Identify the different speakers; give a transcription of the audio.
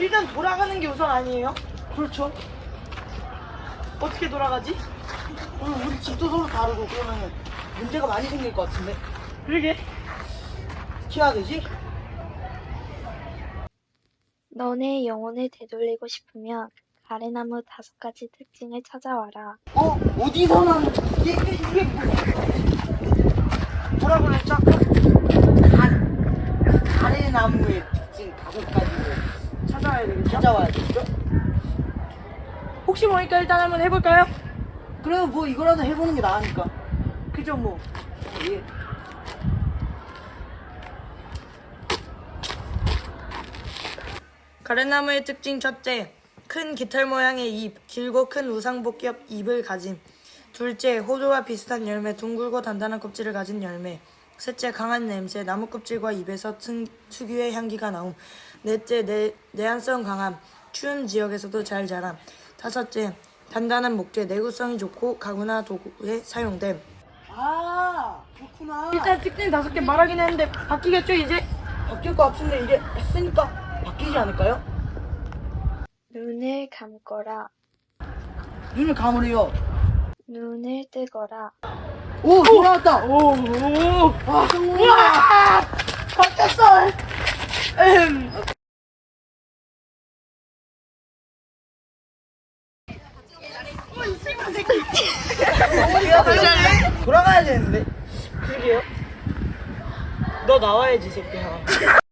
Speaker 1: 일단 돌아가는 게 우선 아니에요?
Speaker 2: 그렇죠.
Speaker 1: 어떻게 돌아가지?
Speaker 2: 오늘 우리 집도 서로 다르고 그러면 문제가 많이 생길 것 같은데.
Speaker 1: 그러게.
Speaker 2: 어떻게 해야 되지?
Speaker 3: 너네 영혼을 되돌리고 싶으면 가래나무 5가지 특징을 찾아와라.
Speaker 2: 어디서 난 이게
Speaker 1: 뭐라고 그랬죠?
Speaker 2: 가래나무의 특징 5가지를
Speaker 1: 찾아와야 되겠죠?
Speaker 2: 찾아와야 되죠?
Speaker 1: 혹시 모르니까 일단 한번 해볼까요?
Speaker 2: 그래도 뭐 이거라도 해보는 게 나으니까.
Speaker 1: 그죠 뭐.
Speaker 2: 예.
Speaker 1: 가래나무의 특징 첫째, 큰 깃털 모양의 잎, 길고 큰 우상복겹 잎을 가짐. 둘째, 호두와 비슷한 열매, 둥글고 단단한 껍질을 가진 열매. 셋째, 강한 냄새, 나무 껍질과 잎에서 특유의 향기가 나옴. 넷째, 내한성 강함, 추운 지역에서도 잘 자람. 다섯째, 단단한 목재, 내구성이 좋고 가구나 도구에 사용됨.
Speaker 2: 그렇구나.
Speaker 1: 일단 특징 5개 말하긴 했는데 바뀌겠죠 이제?
Speaker 2: 바뀔 것 같은데 이제 했으니까 바뀌지 않을까요?
Speaker 3: 눈을 감거라.
Speaker 2: 눈을 감으래요.
Speaker 3: 눈을 뜨거라.
Speaker 2: 오, 돌아왔다.
Speaker 1: 오,
Speaker 2: 와, 성공이야.
Speaker 1: 바뀌었어.
Speaker 2: 돌아가야 되는데.
Speaker 1: 그러게요. 너 나와야지 새끼야.